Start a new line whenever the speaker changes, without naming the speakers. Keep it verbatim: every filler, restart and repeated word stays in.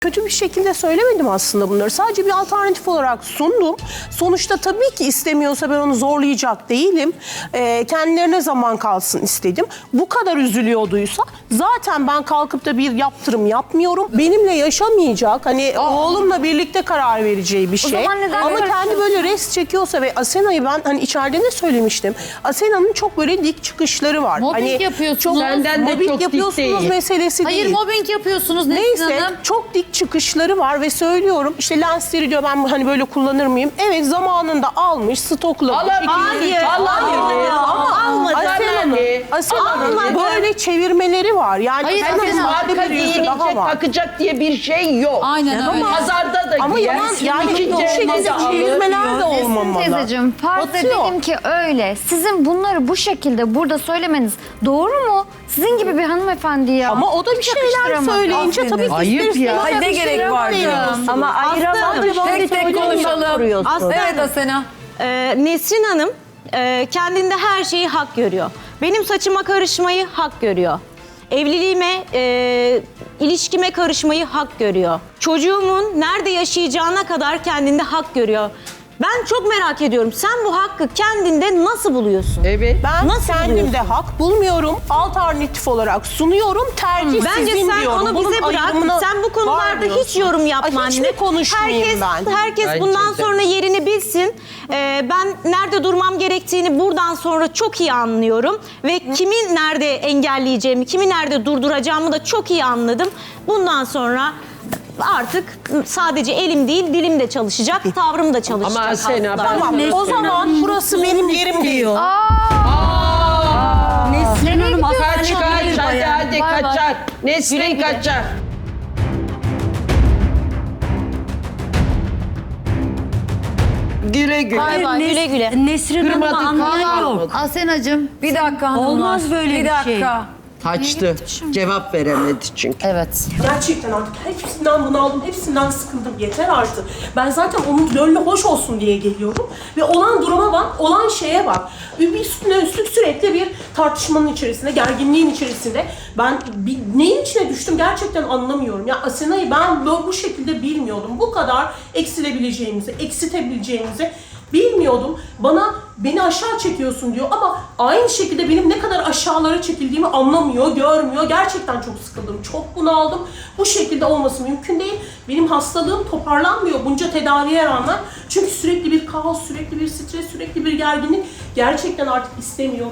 Kötü bir şekilde söylemedim aslında bunları. Sadece bir alternatif olarak sundum. Sonuçta tabii ki istemiyorsa ben onu zorlayacak değilim. Ee, kendilerine zaman kalsın istedim. Bu kadar üzülüyorduysa zaten ben kalkıp da bir yaptırım yapmıyorum. Benimle yaşamayacak, hani oğlumla birlikte karar vereceği bir şey.
zaman neden
Ama kendi
karışıyorsun?
böyle rest çekiyorsa ve Asena'yı ben hani içeride de söylemiştim. Asena'nın çok böyle dik çıkışları var.
Mobbing
hani
yapıyorsunuz.
Çok,
Senden
de
mobbing
çok dik
yapıyorsunuz
değil.
meselesi
Hayır
değil.
mobbing yapıyorsunuz Nesrin
Neyse
Hanım.
çok dik çıkışları var ve söylüyorum işte lensleri diyor ben hani böyle kullanır mıyım? Evet zamanında almış stoklamış.
Alabilir.
Hayır.
Alabilir.
Ama
Almadı.
Asena'nın Asena'nın
Almadı.
böyle çevirmeleri var. Yani
Hayır,
Asena'nın
Asena,
farklı
Marka
bir yüzü daha
giyilecek,
var.
takacak diye bir şey yok.
Aynen öyle.
Pazarda da
Ama
giyer.
yalan yani
ikinci
bu şekilde
elde alır.
çevirmeler de olmamalı.
Teyzeciğim farz
Batıyor.
edelim ki öyle. Sizin bunları bu şekilde burada söylemeniz doğru mu? Sizin gibi bir hanımefendi ya.
Ama o da bir şeyler
yakıştıramadım.
söyleyince tabii ki
Ayıp
ister
ya.
istemez
Ay, ne gerek var
yapıştırıyorsunuz.
Ama ayıramadım.
Tek tek konuşalım.
Aslında
Evet Asena.
e, Nesrin Hanım e, kendinde her şeyi hak görüyor. Benim saçıma karışmayı hak görüyor. Evliliğime, e, ilişkime karışmayı hak görüyor. Çocuğumun nerede yaşayacağına kadar kendinde hak görüyor. Ben çok merak ediyorum. Sen bu hakkı kendinde nasıl buluyorsun?
Evet.
Ben
Nasıl
kendimde
buluyorsun?
hak bulmuyorum. Alternatif olarak sunuyorum. Tercih
Bence
sizin
sen
diyorum.
onu
Bunun
bize bırak.
ayrımına
Sen bu konularda
varmıyorsun.
hiç yorum yapma
Ay, hiç
anne.
mi konuşmayayım
herkes,
ben?
Herkes
Bence
bundan
de.
sonra yerini bilsin. Ee, ben nerede durmam gerektiğini buradan sonra çok iyi anlıyorum. Ve kimi nerede engelleyeceğimi, kimi nerede durduracağımı da çok iyi anladım. Bundan sonra artık sadece elim değil dilim de çalışacak, tavrım da çalışacak.
Ama Asena,
aslında.
ben-
Tamam. O zaman burası benim yerim değil.
Nesrin Hanım
Kaç kaç hadi hadi
Bay bay.
kaçar. Nesrin
Güle güle.
kaçar. Güle güle.
Bay bay.
Güle güle.
Nesrin Hanım'ı
Kırmadık,
anlayan yok.
kırmadık.
Asenacığım bir dakika hanımlar.
Olmaz böyle bir
bir dakika.
şey.
Kaçtı. Cevap veremedi çünkü.
Evet.
Gerçekten artık hepsinden bunaldım, hepsinden sıkıldım. Yeter artık. Ben zaten onun gönlü hoş olsun diye geliyorum. Ve olan duruma bak, olan şeye bak. Bir üstüne üstlük sürekli bir tartışmanın içerisinde, gerginliğin içerisinde. Ben bir, neyin içine düştüm gerçekten anlamıyorum. Ya Asena'yı ben böyle bu şekilde bilmiyordum. Bu kadar eksilebileceğimizi, eksitebileceğimizi bilmiyordum. Bana beni aşağı çekiyorsun diyor ama aynı şekilde benim ne kadar aşağılara çekildiğimi anlamıyor, görmüyor. Gerçekten çok sıkıldım, çok bunaldım. Bu şekilde olması mümkün değil. Benim hastalığım toparlanmıyor bunca tedaviye rağmen. Çünkü sürekli bir kaos, sürekli bir stres, sürekli bir gerginlik. Gerçekten artık istemiyorum.